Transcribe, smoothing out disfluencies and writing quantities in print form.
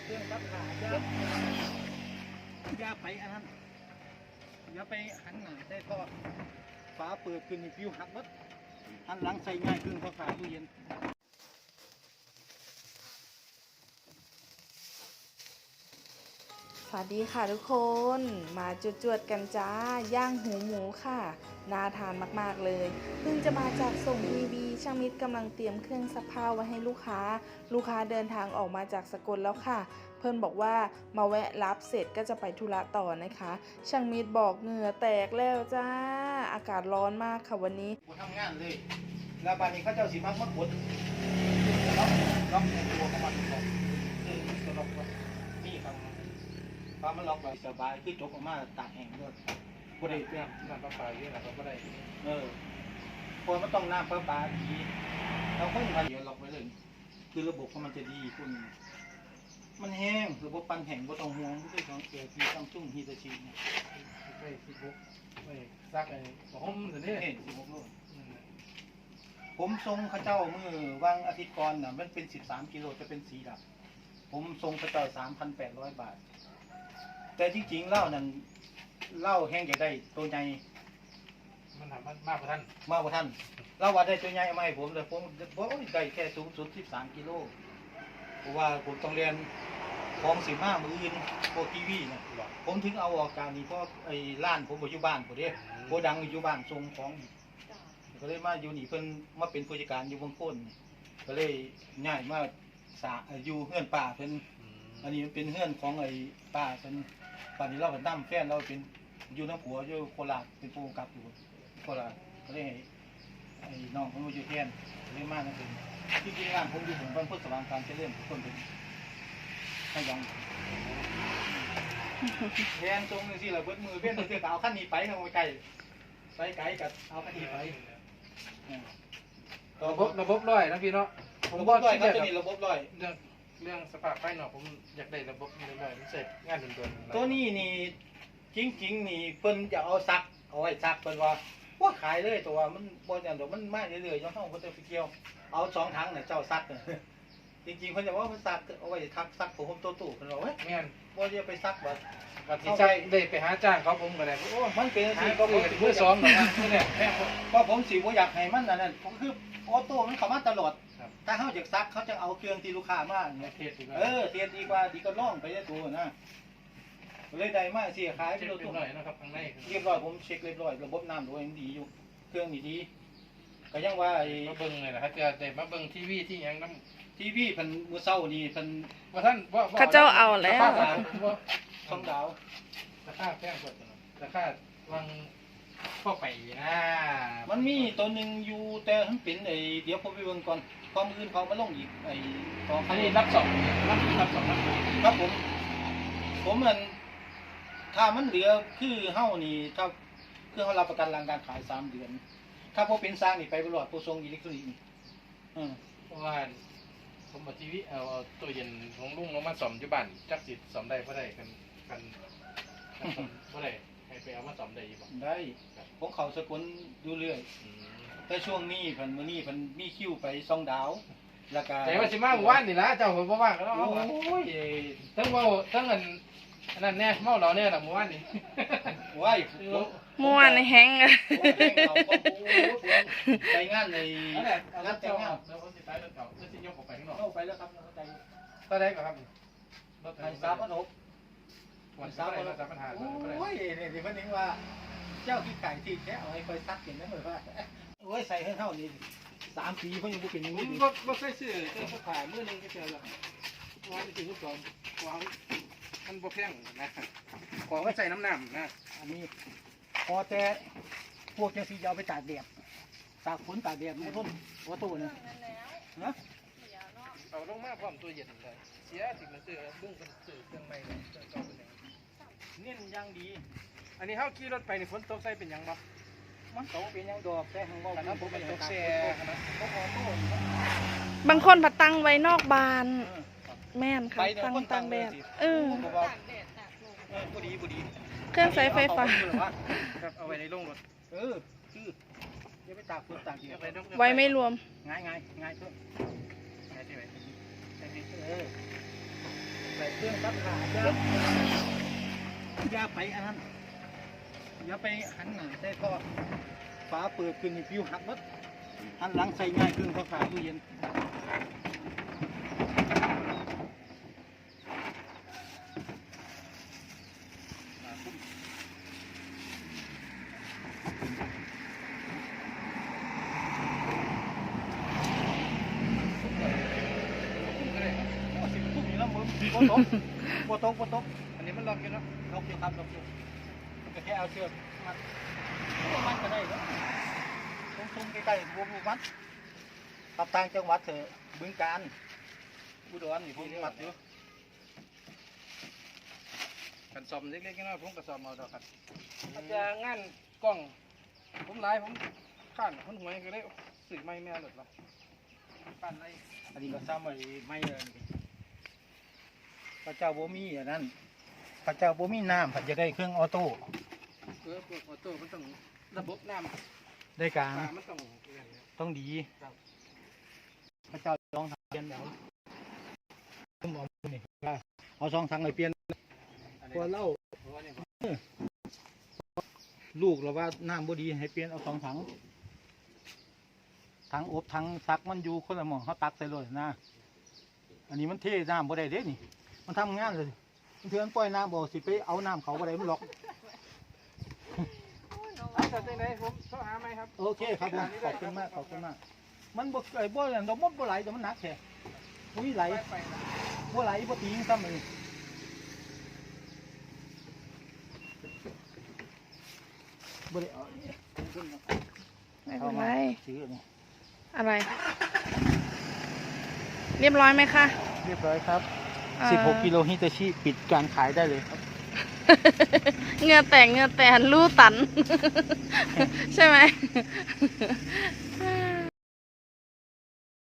เครื่องซักผ้าอย่าไปอันนั้นอย่าไปหันหน้าใส่ท่อฝาเปิดขึ้นนี่ฟิวหักหมดหันหลังใส่ง่ายเครื่องซักผ้าตู้เย็นสวัสดีค่ะทุกคนมาจวดๆกันจ้าย่างหูหมูค่ะน่าทานมากๆเลยเพิ่งจะมาจากส่งทีวีช่างมิตรกำลังเตรียมเครื่องซักผ้าไว้ให้ลูกค้าเดินทางออกมาจากสกลแล้วค่ะเพิ่นบอกว่ามาแวะรับเสร็จก็จะไปธุระต่อนะคะช่างมิตรบอกเหงื่อแตกแล้วจ้าอากาศร้อนมากค่ะวันนี้ทำงานเลยแล้วบ้านนี้เขาเจ้าสีมักมากดล็อกตัวของมันล็อกตัวล็อกนี่ครับฟ้ามันล็อกไว้สบายคือจกออกมาตากแห้งด้วยก็ได้เพื่อนน้ำประปาเยอะนะครับก็ได้เพราะมันต้องน้ำประปาดีเราค่อยมาเดี๋ยวล็อกไว้เลยคือระบบของมันจะดีคุณมันแห้งระบบปั่นแห้งก็ต้องห่วงไม่ใช่ของเสียทีต้องจุ่มฮีตาชิเนี่ยไป16ไปซักไอ้ผมถึงนี่16โลผมทรงข้าเจ้ามือวางอาทิตย์ก่อนน่ะมันเป็น13กิโลจะเป็นสีดำผมทรงข้าเจ้า 3,800 บาทแต่จริงๆเหล้านั่นเหล้าแห้งใหญ่ได้ตัวใหญ่มันทำมากกว่าท่านเหล้าว่าได้ตัวใหญ่เอามาให้ผมเลยผมได้แค่สูงสุด13กิโลเพราะว่าผมต้องเรียนของ15มืออื่นพวกทีวีนะผมถึงเอาออกการนี้เพราะไอ้ร้านผมอยู่บ้านผมเด้โกดังอยู่บ้านทรงของก็เลยมาอยู่นี่เพิ่นมาเป็นผู้จัดการอยู่บางคนก็เลยง่ายมาอยู่เฮือนป้าเพิ่นอันนี้มันเป็นเฮือนของไอ้ป้าเพิ่นป่านนี้เราเป็นน้ำแฟนเราเป็นอยู่น้ำผัวอยู่โคราชเป็นผู้กำกับอยู่โคราชก็เลยไอ้น้องผมมาอยู่แทนเลยมานั่นเองที่จริงงานผมอยู่ผมเป็นผู้สว่างการเจริญคนเป็นให้ยังแทนตรงนี้สิเราเบิดมือเพี้ยนเลยเอาขั้นนี้ไปทางไกลกับเอาขั้นนี้ไประบบร้อยนะพี่เนาะระบบร้อยครับตัวนี้ระบบร้อยเรื่องสภาพไฟเนาะผมอยากได้ระบบร้อยๆมันเสร็จงานด่วนๆตัวนี้นี่จริงนี่เพิ่นจะเอาซักเอาไว้ซักเพิ่นว่าขายเลยตัวมันบ่อย่างเดี๋ยวมันมาเรื่อยๆย้อนห้องเพิ่นจะไปเกี่ยวเอา2 ถังน่ะเจ้าซักจริงๆเพิ่นจะว่าเพิ่นซักเอาไว้ซักผมตู้เพิ่นว่าเฮ้ยแม่นบ่จะไปซักบัดที่ใช้ได้ไปหาจ้างเขาผมก็ได้โอ้มันเป็นสิก็ผมมือ2เนาะเนี่ยเพราะผมสิบ่อยากให้มันนั่นคือออโต้มันเข้ามาตลอดถ้าเฮาอยากซักเขาจะเอาเครื่องที่ลูกค้ามาเนี่ยเทสดีกว่าเทสดีกว่าดีก็ล่องไปได้ตัวนะเลยได้มาสิขายไปตัวหน่อยนะครับข้างในเรียบร้อยผมเช็คเรียบร้อยระบบน้ำด้วยดีอยู่เครื่องนี่ดีก็ยังว่ามาเบิ่งเลยนะครับจะได้มาเบิ่งทีวีที่ยังน้ำทีวีเพิ่นมื้อเช้านี่เพิ่นว่าท่านข้าเจ้าเอาแล้ว 2 ดาวราคาแพงกว่าราคาวังเข้าไปนะมันมีตัวนึงอยู่แต่มันเป็นไอ้เดี๋ยวผมไปเบิ่งก่อนความอื่นเขามาลงอีกไอ้ของอันนี้รับ2 ครับผมมันถ้ามันเหลือคือเฮานี่ถ้าคือเฮารับประกันหลังการขาย3 เดือนถ้าพอเป็นสร้างนี่ไปตลอดผู้ทรงอิเล็กทรอนิกส์นี่เพราะว่าผมเอาทีวีเอาตัวเย็นของลุงลงมาซ่อมอยู่บ้านจักสิซ่อมได้บ่ได้กันบ่ได้ให้ไปเอามาซ่อมได้อยู่บ่ได้ผมเข้าสกลดูเรื่อยแต่ช่วงนี้เพิ่นมื้อนี้เพิ่นมีคิวไป2 ดาวแล้วก็แต่ว่าสิมาวันนี่ล่ะเจ้าบ่ว่างแล้วโอ้ยทั้งเว้าทั้งอันนั้นแน่เมาเหล้าแน่ล่ะมื้อวานนี่ว้ายม่วนแห้งไปงานในงานแต่งงานแล้วเขาสิไปรถเก่าแล้วสิยกออกไปข้างนอกไปแล้วครับใจตอนแรกก็ครับรถไฟ3,600 วัน3ปัญหาโอ้ยนี่สิเพิ่นนึกว่าเจ้าขี้ไก่ที่แท้เอาให้ค่อยซักกินได้เหมือนว่าโอ้ยใส่ให้เท่านี้3 ปีเพิ่นยังบ่เป็นอย่างนี้บ่เคยซื้อแต่เขาขายมื้อนึงก็เจอแล้วว่าสิซื้อก่อนวางมันบ่แพงนะของก็ใส่น้ำนะอันนี้พอแต่พวกจังสีเอาไปตากแดดตากฝนตากแดดไม่ทนหัวตู้นี่นะเอาลงมาพร้อมตัวเย็นเลยเสียสิ่งมันซื้อลุงเป็นซื้อเครื่องใหม่เลยเครื่องเก่าเป็นยังเน้นยังดีอันนี้เฮาขี่รถไปนี่ฝนตกใส่เป็นยังบ่มันตกเป็นยังดอกแต่ทางว่าผมเป็นตกแช่นะบางคนผัดตังไว้นอกบานแม่นค่ะตั้งแดดบุดีเครื่องใช้ไฟฟ้าเอาไว้ในโรงรถคือจะไปตากฝนตากแดดไว้ไม่รวมง่ายเพื่อนง่ายที่ไหนใช่เครื่องซักผ้าอย่าไปอันนั้นอย่าไปหันหน้าใส่ท่อฝาเปิดขึ้นนี่ฟิวหักหมดหันหลังใส่ง่ายเครื่องซักผ้าตู้เย็นปวดตกอันนี้มันล็อกอยู่เนาะลกอยู่ครับลกอยู่ก็แค่เอาเชือกมัดก็ได้แล้วทุ่มๆใกล้ๆวงมัดขับต่างจังหวัดเถอะบึงกาฬอุดรนี่ผมมัดอยู่กันซ่อมเล็กๆน้อยๆผมก็ซ่อมเอาดอกครับอาจจะงานกล้องผมหลายผมข้านคนหวยก็ได้สื่อไม่แม่หลุดละปั้นอะไรอันนี้ก็ซ้ำไว้ไม่เลยพระเจ้าบ่มีอันนั้นพระเจ้าบ่มีน้ำผัดจะได้เครื่องออโต้พวกออโต้มันต้องระบบน้ำได้กลางมันต้องต้องดีพระเจ้าลองทำเปลี่ยนแล้วผมเอานี่เอาสองถังเลยเปลี่ยนพอเล่าลูกเราว่าน้ำบ่ดีให้เปลี่ยนเอาสองถังถังอบถังซักมันอยู่คนละหม้อเขาตักใส่เลยนะอันนี้มันเทน้ำบ่ได้เด้นี่มันทำงานเลยมันเถื่อนปล่อยน้ำบ่สิไปเอาน้ำเขาบ่ได้มันหรอกแต่ในผมเขาหาไหมครับโอเคครับผมขอบคุณมากขอบคุณมากมันบ่ไอ้บ่อย่างดอกมันบ่ไหลแต่มันหนักแค่บ่มีไหลบ่ไหลบ่ตีงซ้ำเลยบ่ได้เอาไม่เป็นไรซื้อนี่อะไร เรียบร้อยไหมคะเรียบร้อยครับอ่า 16กิโลฮิตาชิปิดการขายได้เลยครับเหงือแตกเหงือแตนรูตัน ใช่ไหม